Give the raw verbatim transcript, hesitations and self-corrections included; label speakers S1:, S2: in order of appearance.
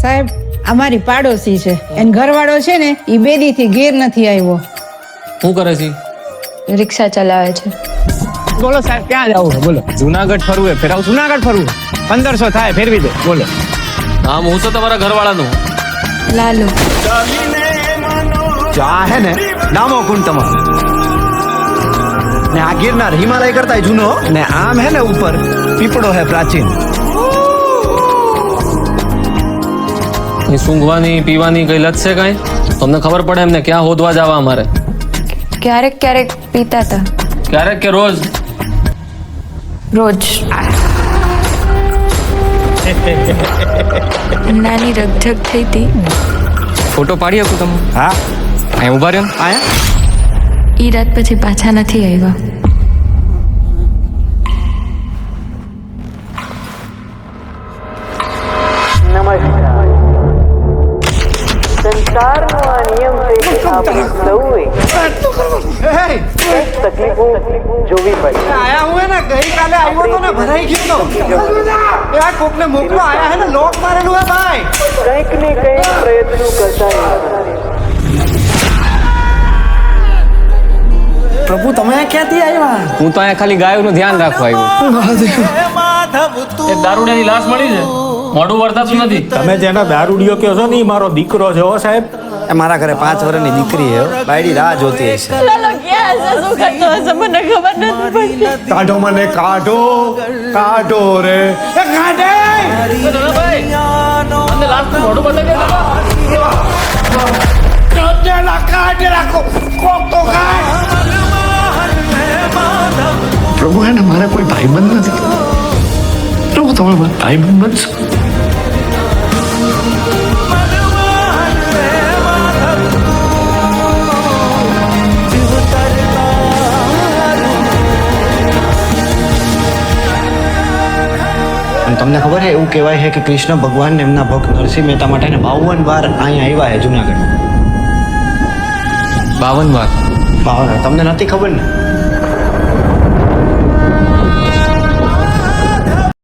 S1: સાહેબ અમારી પાડોશી છે, એન ઘરવાળો છે ને ઈ બેદી થી ઘેર નથી આવ્યો.
S2: શું કરે છે?
S3: રિક્ષા ચલાવે છે.
S4: બોલો સાહેબ, ક્યાં જવું છે? બોલો.
S2: જુનાગઢ ફરવું હે, ફેરાવ.
S4: જુનાગઢ ફરવું પંદરસો થાય, ફેરવી દો. બોલો.
S2: નામ હું છે તમારા ઘરવાળાનું?
S3: લાલુ.
S5: જો આ હે ને ડામો કુંડ તમારો, ને આ ગિરનાર હિમાલય કરતા જૂનો, ને આમ હે ને ઉપર પીપળો હે પ્રાચીન.
S2: એ સૂંઘવાની પીવાની કઈ લત છે કઈ? તમને ખબર પડે એમને ક્યાં હોદવા જવા અમારે?
S3: ક્યારેક ક્યારેક પીતા હતા.
S2: ક્યારેક કે રોજ?
S3: રોજ. નાની રગઝગ થઈ હતી.
S6: ફોટો પાડી શકું તમે?
S5: હા,
S6: અહીં ઉભા રહ્યો.
S5: આયા
S3: ઈ રાત પછી પાછા નથી આવ્યા.
S7: સંસારનો આ નિયમ છે કે આપણે સૌએ તકલીફો જોવી પડે.
S5: આયા હું હે ને ગઈકાલે આવ્યો તો ને ભરાઈ ગયો તો. એ આ કોકને મોકલો, આયા હે ને લોક મારેલું હે ભાઈ.
S7: કંઈક ને કંઈક પ્રયત્નો કરતા રહેવાના.
S5: પ્રભુ તમે ક્યાંથી આવ્યા?
S6: હું તો અહીંયા ખાલી ગાયોનું ધ્યાન રાખવા આવ્યો.
S2: એક દારૂડિયાની લાશ મળી છે, મોઢું વર્તાતું નથી.
S8: તમે જેનો દારૂડિયો કહો છો ને ઈ મારો દીકરો છે. હો સાહેબ,
S5: એ મારા ઘરે પાંચ વર્ષની દીકરી હે, બાયડી રાહ જોતી હશે. કાઢો મને, કાઢો કાઢો રે, એ કાઢે.
S2: તમને લાશનું મોઢું બતાવી દે બાબા.
S5: કાઢેલા, કાઢેલા, કોક તો કાઢ.
S9: પ્રભુ એને મારે કોઈ ભાઈબંધ નથી. પ્રભુ તમે મારા ભાઈબંધ બનશો.
S5: તમને ખબર છે એવું કહેવાય છે કે કૃષ્ણ ભગવાન એમના ભક્ત નરસિંહ મહેતા માટે બાવન વાર અહીંયા આવ્યા છે જુનાગઢ.
S6: બાવન વાર?
S5: બાવન. તમને નથી ખબર ને?